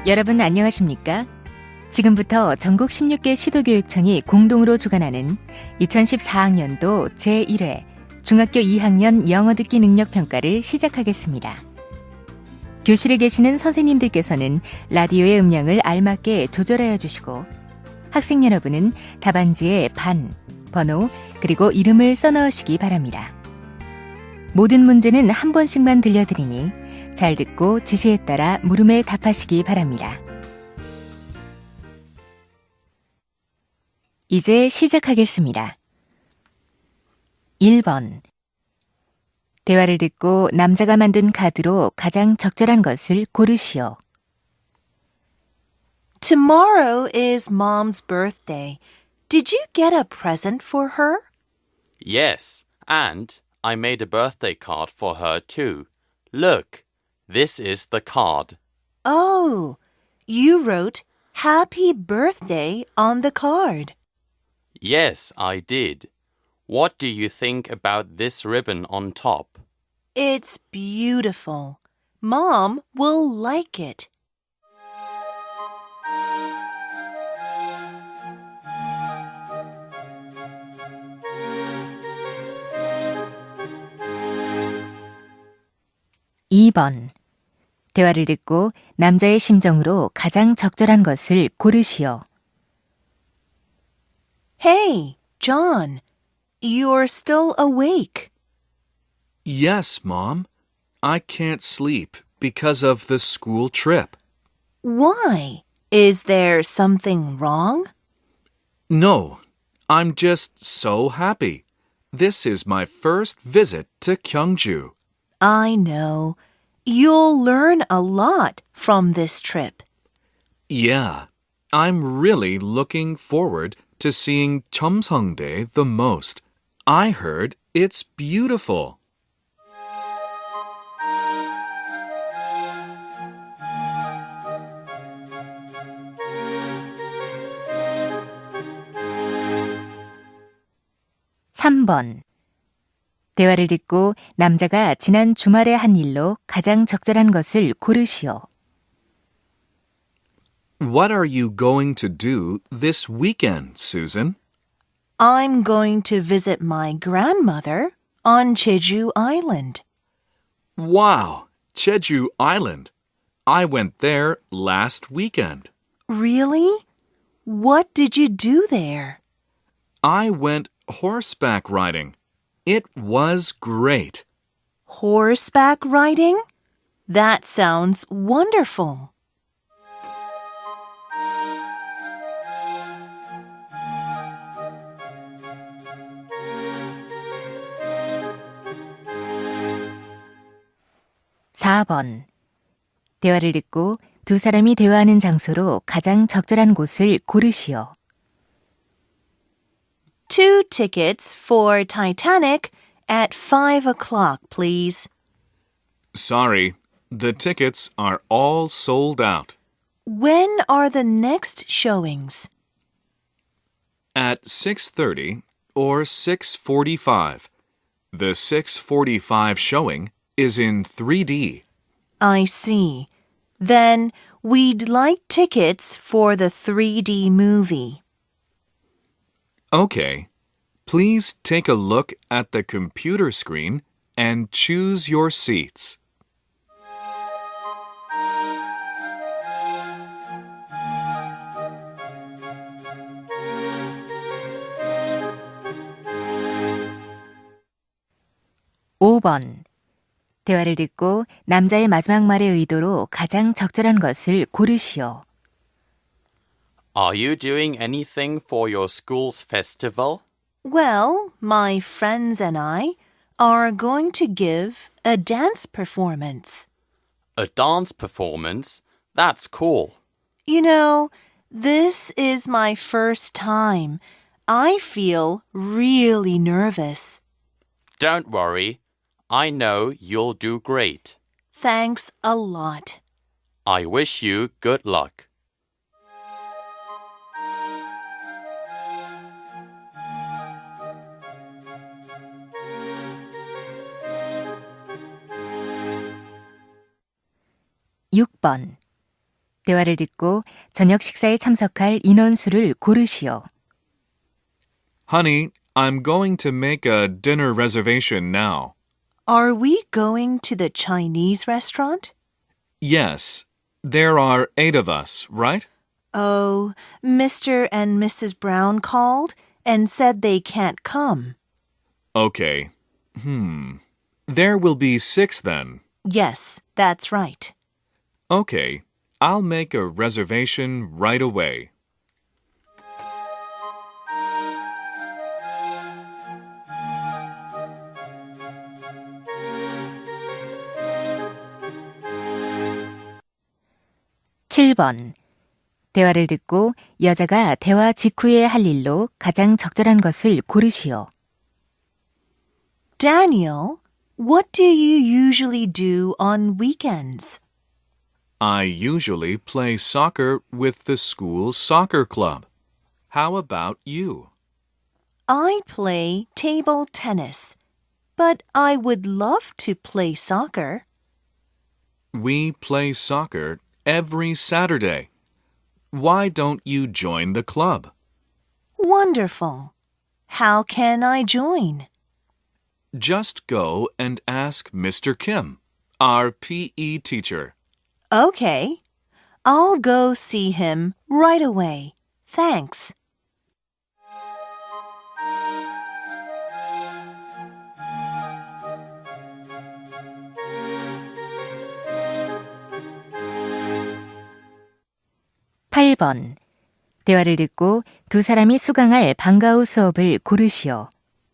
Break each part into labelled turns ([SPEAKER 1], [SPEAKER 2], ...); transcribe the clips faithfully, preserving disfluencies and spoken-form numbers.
[SPEAKER 1] 여러분 안녕하십니까? 지금부터 전국 십육 개 시도교육청이 공동으로 주관하는 이천십사 학년도 제일 회 중학교 이 학년 영어 듣기 능력 평가를 시작하겠습니다. 교실에 계시는 선생님들께서는 라디오의 음량을 알맞게 조절하여 주시고 학생 여러분은 답안지에 반, 번호, 그리고 이름을 써넣으시기 바랍니다. 모든 문제는 한 번씩만 들려드리니 잘 듣고 지시에 따라 물음에 답하시기 바랍니다. 이제 시작하겠습니다. 일 번. 대화를 듣고 남자가 만든 카드로 가장 적절한 것을 고르시오.
[SPEAKER 2] Tomorrow is Mom's birthday. Did you get a present for her?
[SPEAKER 3] Yes, and I made a birthday card for her too. Look, this is the card.
[SPEAKER 2] Oh, you wrote Happy Birthday on the card.
[SPEAKER 3] Yes, I did. What do you think about this ribbon on top?
[SPEAKER 2] It's beautiful. Mom will like it.
[SPEAKER 1] 이 번. 대화를 듣고 남자의 심정으로 가장 적절한 것을 고르시오.
[SPEAKER 2] Hey, John, you're still awake.
[SPEAKER 4] Yes, Mom. I can't sleep because of the school trip.
[SPEAKER 2] Why? Is there something wrong?
[SPEAKER 4] No, I'm just so happy. This is my first visit to Gyeongju.
[SPEAKER 2] I know. You'll learn a lot from this trip.
[SPEAKER 4] Yeah, I'm really looking forward to seeing Cheomseongdae the most. I heard it's beautiful.
[SPEAKER 1] 삼 번. 대화를 듣고 남자가 지난 주말에 한 일로 가장 적절한 것을 고르시오.
[SPEAKER 4] What are you going to do this weekend, Susan?
[SPEAKER 2] I'm going to visit my grandmother on Jeju Island.
[SPEAKER 4] Wow, Jeju Island. I went there last weekend.
[SPEAKER 2] Really? What did you do there?
[SPEAKER 4] I went horseback riding. It was great.
[SPEAKER 2] Horseback riding? That sounds wonderful.
[SPEAKER 1] 사 번. 대화를 듣고 두 사람이 대화하는 장소로 가장 적절한 곳을 고르시오.
[SPEAKER 2] Two tickets for Titanic at five o'clock, please.
[SPEAKER 4] Sorry, the tickets are all sold out.
[SPEAKER 2] When are the next showings?
[SPEAKER 4] At six thirty or six forty-five. The six forty-five showing is in three D.
[SPEAKER 2] I see. Then we'd like tickets for the three D movie.
[SPEAKER 4] Okay. Please take a look at the computer screen and choose your seats.
[SPEAKER 1] 오 번. 대화를 듣고 남자의 마지막 말의 의도로 가장 적절한 것을 고르시오.
[SPEAKER 3] Are you doing anything for your school's festival?
[SPEAKER 2] Well, my friends and I are going to give a dance performance.
[SPEAKER 3] A dance performance? That's cool.
[SPEAKER 2] You know, this is my first time. I feel really nervous.
[SPEAKER 3] Don't worry. I know you'll do great.
[SPEAKER 2] Thanks a lot.
[SPEAKER 3] I wish you good luck.
[SPEAKER 1] 육 번. 대화를 듣고 저녁 식사에 참석할 인원수를 고르시오.
[SPEAKER 4] Honey, I'm going to make a dinner reservation now.
[SPEAKER 2] Are we going to the Chinese restaurant?
[SPEAKER 4] Yes, there are eight of us, right?
[SPEAKER 2] Oh, Mister and Missus Brown called and said they can't come.
[SPEAKER 4] Okay. Hmm. There will be six then.
[SPEAKER 2] Yes, that's right.
[SPEAKER 4] Okay, I'll make a reservation right away.
[SPEAKER 1] 칠 번. 대화를 듣고 여자가 대화 직후에 할 일로 가장 적절한 것을 고르시오.
[SPEAKER 2] Daniel, what do you usually do on weekends?
[SPEAKER 4] I usually play soccer with the school soccer club. How about you?
[SPEAKER 2] I play table tennis, but I would love to play soccer.
[SPEAKER 4] We play soccer every Saturday. Why don't you join the club?
[SPEAKER 2] Wonderful. How can I join?
[SPEAKER 4] Just go and ask Mister Kim, our P E teacher.
[SPEAKER 2] Okay. I'll go see him right away. Thanks.
[SPEAKER 1] 팔 번. 대화를 듣고 두 사람이 수강할 방과 후 수업을 고르시오.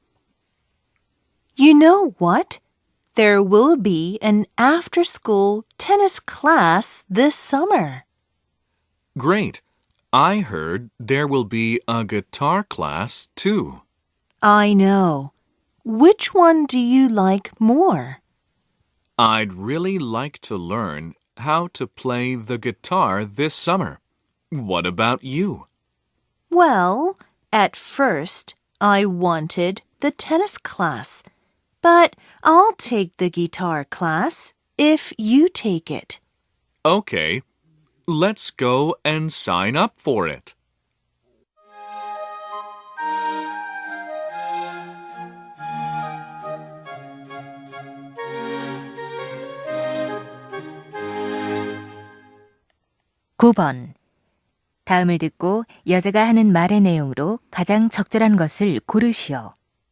[SPEAKER 2] You know what? There will be an after-school tennis class this summer.
[SPEAKER 4] Great. I heard there will be a guitar class too.
[SPEAKER 2] I know. Which one do you like more?
[SPEAKER 4] I'd really like to learn how to play the guitar this summer. What about you?
[SPEAKER 2] Well, at first, I wanted the tennis class, but I'll take the guitar class if you take it.
[SPEAKER 4] Okay, let's go and sign up for it.
[SPEAKER 1] 구 번. 다음을 듣고 여자가 하는 말의 내용으로 가장 적절한 것을 고르시오.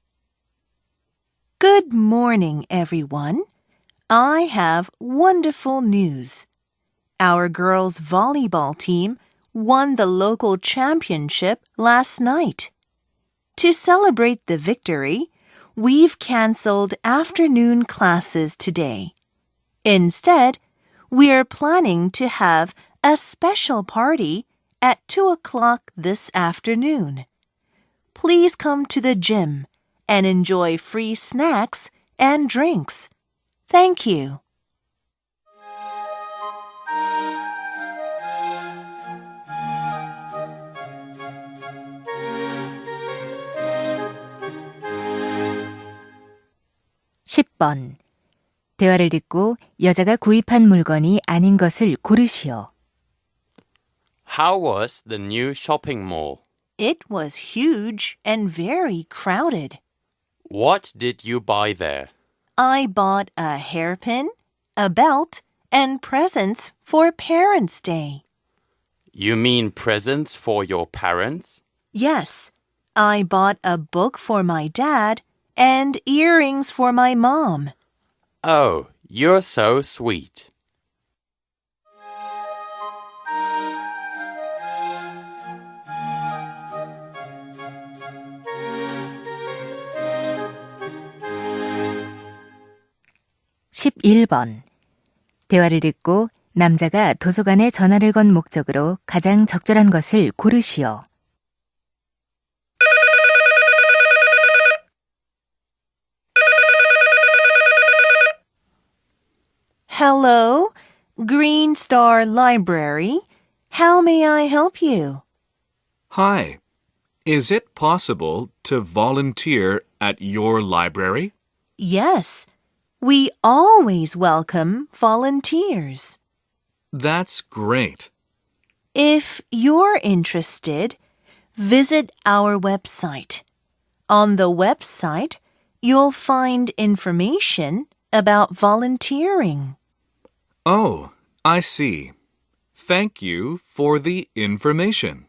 [SPEAKER 2] Good morning, everyone. I have wonderful news. Our girls' volleyball team won the local championship last night. To celebrate the victory, we've canceled afternoon classes today. Instead, we're planning to have a special party at two o'clock this afternoon. Please come to the gym and enjoy free snacks and drinks. Thank you.
[SPEAKER 1] 십 번. 대화를 듣고 여자가 구입한 물건이 아닌 것을 고르시오.
[SPEAKER 3] How was the new shopping mall?
[SPEAKER 2] It was huge and very crowded.
[SPEAKER 3] What did you buy there?
[SPEAKER 2] I bought a hairpin, a belt, and presents for Parents' Day.
[SPEAKER 3] You mean presents for your parents?
[SPEAKER 2] Yes, I bought a book for my dad and earrings for my mom.
[SPEAKER 3] Oh, you're so sweet.
[SPEAKER 1] 십일 번. 대화를 듣고 남자가 도서관에 전화를 건 목적으로 가장 적절한 것을 고르시오.
[SPEAKER 2] Hello, Green Star Library. How may I help you?
[SPEAKER 4] Hi. Is it possible to volunteer at your library?
[SPEAKER 2] Yes, we always welcome volunteers.
[SPEAKER 4] That's great.
[SPEAKER 2] If you're interested, visit our website. On the website, you'll find information about volunteering.
[SPEAKER 4] Oh, I see. Thank you for the information.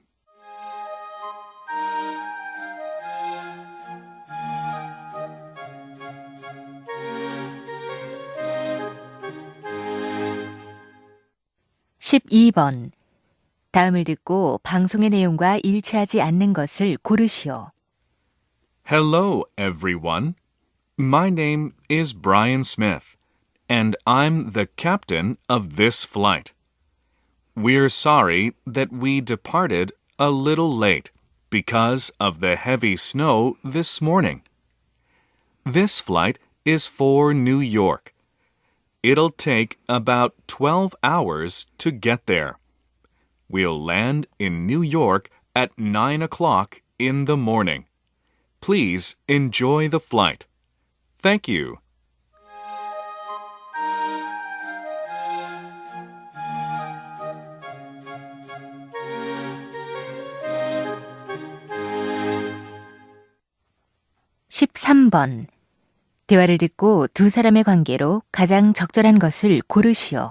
[SPEAKER 1] 십이 번. 다음을 듣고 방송의 내용과 일치하지 않는 것을 고르시오.
[SPEAKER 4] Hello, everyone. My name is Brian Smith, and I'm the captain of this flight. We're sorry that we departed a little late because of the heavy snow this morning. This flight is for New York. It'll take about twelve hours to get there. We'll land in New York at nine o'clock in the morning. Please enjoy the flight. Thank you.
[SPEAKER 1] 십삼 번. 대화를 듣고 두 사람의 관계로 가장 적절한 것을 고르시오.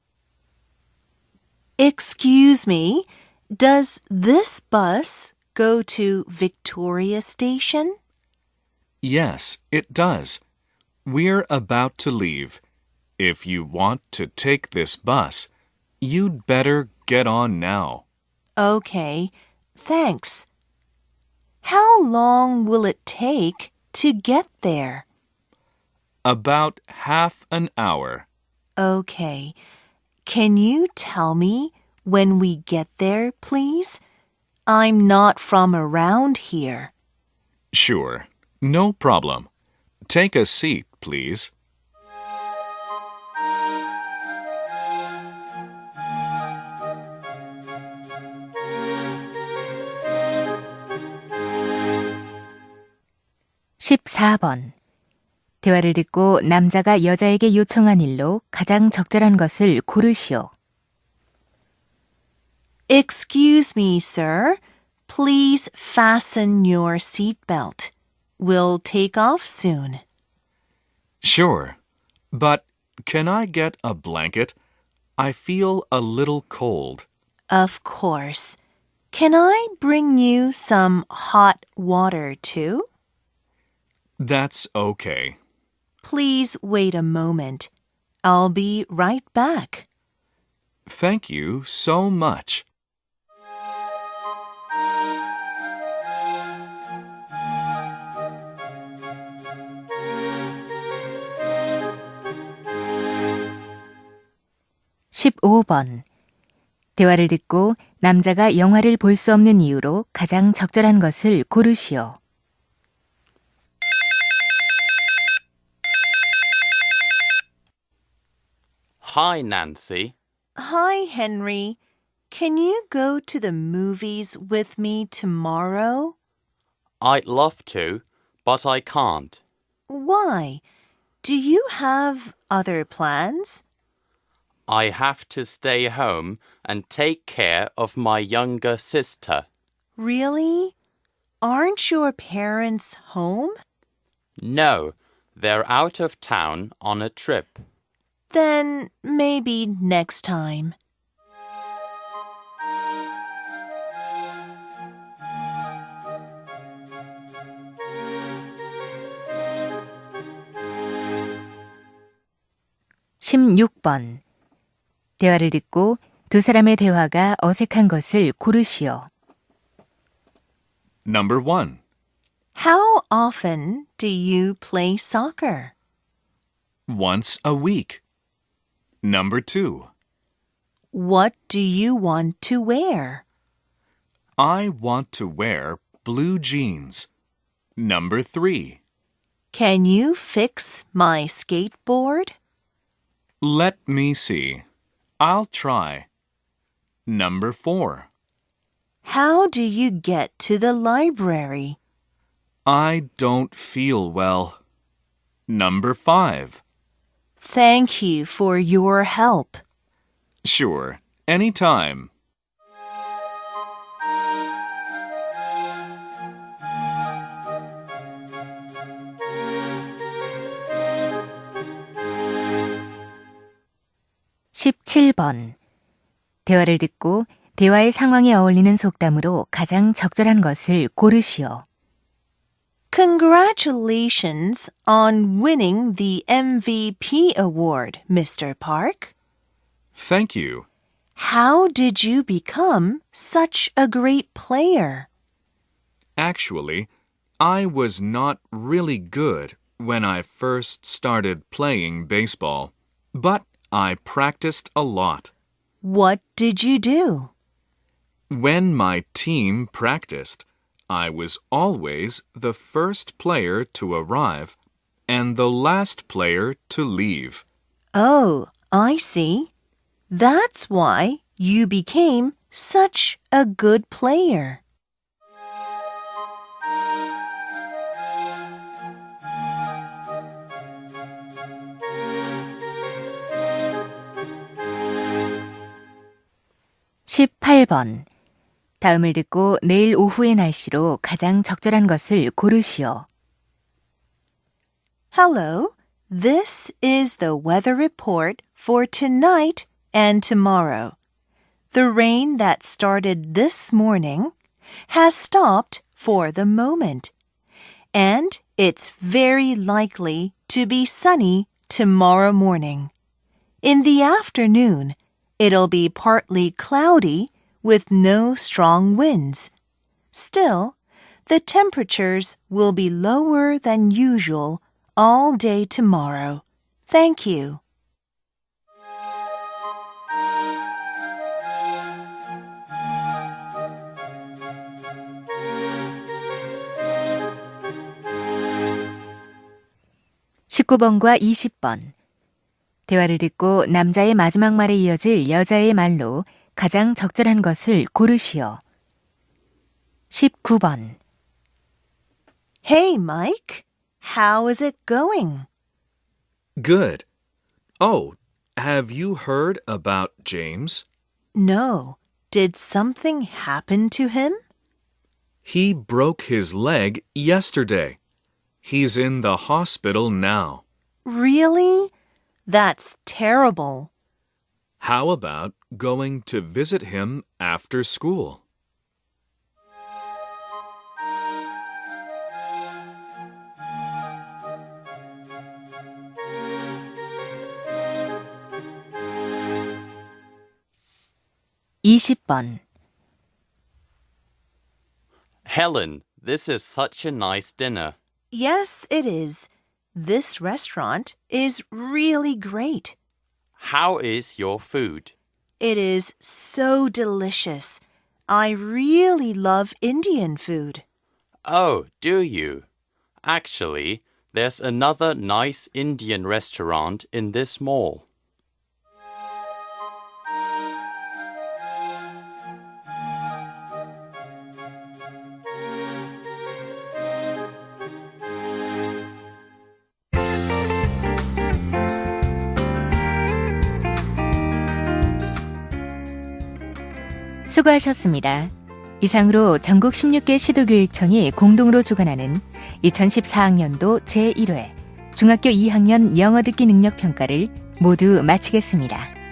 [SPEAKER 2] Excuse me, does this bus go to Victoria Station?
[SPEAKER 4] Yes, it does. We're about to leave. If you want to take this bus, you'd better get on now.
[SPEAKER 2] Okay, thanks. How long will it take to get there?
[SPEAKER 4] About half an hour.
[SPEAKER 2] Okay. Can you tell me when we get there, please? I'm not from around here.
[SPEAKER 4] Sure, no problem. Take a seat, please.
[SPEAKER 1] 십사 번. 대화를 듣고 남자가 여자에게 요청한 일로 가장 적절한 것을 고르시오.
[SPEAKER 2] Excuse me, sir. Please fasten your seatbelt. We'll take off soon.
[SPEAKER 4] Sure, but can I get a blanket? I feel a little cold.
[SPEAKER 2] Of course. Can I bring you some hot water, too?
[SPEAKER 4] That's okay.
[SPEAKER 2] Please wait a moment. I'll be right back.
[SPEAKER 4] Thank you so much.
[SPEAKER 1] 십오 번. 대화를 듣고 남자가 영화를 볼 수 없는 이유로 가장 적절한 것을 고르시오.
[SPEAKER 3] Hi, Nancy.
[SPEAKER 2] Hi, Henry. Can you go to the movies with me tomorrow?
[SPEAKER 3] I'd love to, but I can't.
[SPEAKER 2] Why? Do you have other plans?
[SPEAKER 3] I have to stay home and take care of my younger sister.
[SPEAKER 2] Really? Aren't your parents home?
[SPEAKER 3] No, they're out of town on a trip.
[SPEAKER 2] Then maybe next time.
[SPEAKER 1] 십육 번. 대화를 듣고 두 사람의 대화가 어색한 것을 고르시오.
[SPEAKER 4] Number one.
[SPEAKER 2] How often do you play soccer?
[SPEAKER 4] Once a week. Number two.
[SPEAKER 2] What do you want to wear?
[SPEAKER 4] I want to wear blue jeans. Number three.
[SPEAKER 2] Can you fix my skateboard?
[SPEAKER 4] Let me see. I'll try. Number four.
[SPEAKER 2] How do you get to the library?
[SPEAKER 4] I don't feel well. Number five.
[SPEAKER 2] Thank you for your help.
[SPEAKER 4] Sure, anytime.
[SPEAKER 1] 십칠 번. 대화를 듣고 대화의 상황에 어울리는 속담으로 가장 적절한 것을 고르시오.
[SPEAKER 2] Congratulations on winning the M V P award, Mister Park.
[SPEAKER 4] Thank you.
[SPEAKER 2] How did you become such a great player?
[SPEAKER 4] Actually, I was not really good when I first started playing baseball, but I practiced a lot.
[SPEAKER 2] What did you do?
[SPEAKER 4] When my team practiced, I was always the first player to arrive and the last player to leave.
[SPEAKER 2] Oh, I see. That's why you became such a good player.
[SPEAKER 1] 십팔 번. 다음을 듣고 내일 오후의 날씨로 가장 적절한 것을 고르시오.
[SPEAKER 2] Hello, this is the weather report for tonight and tomorrow. The rain that started this morning has stopped for the moment, and it's very likely to be sunny tomorrow morning. In the afternoon, it'll be partly cloudy with no strong winds. Still, the temperatures will be lower than usual all day tomorrow. Thank you.
[SPEAKER 1] 십구 번과 이십 번. 대화를 듣고 남자의 마지막 말에 이어질 여자의 말로 가장 적절한 것을 고르시오. 십구 번.
[SPEAKER 2] Hey, Mike. How is it going?
[SPEAKER 4] Good. Oh, have you heard about James?
[SPEAKER 2] No. Did something happen to him?
[SPEAKER 4] He broke his leg yesterday. He's in the hospital now.
[SPEAKER 2] Really? That's terrible.
[SPEAKER 4] How about going to visit him after school?
[SPEAKER 1] 이십 번.
[SPEAKER 3] Helen, this is such a nice dinner.
[SPEAKER 2] Yes, it is. This restaurant is really great.
[SPEAKER 3] How is your food?
[SPEAKER 2] It is so delicious. I really love Indian food.
[SPEAKER 3] Oh, do you? Actually, there's another nice Indian restaurant in this mall.
[SPEAKER 1] 수고하셨습니다. 이상으로 전국 십육 개 시도교육청이 공동으로 주관하는 이천십사 학년도 제일 회 중학교 이 학년 영어 듣기 능력 평가를 모두 마치겠습니다.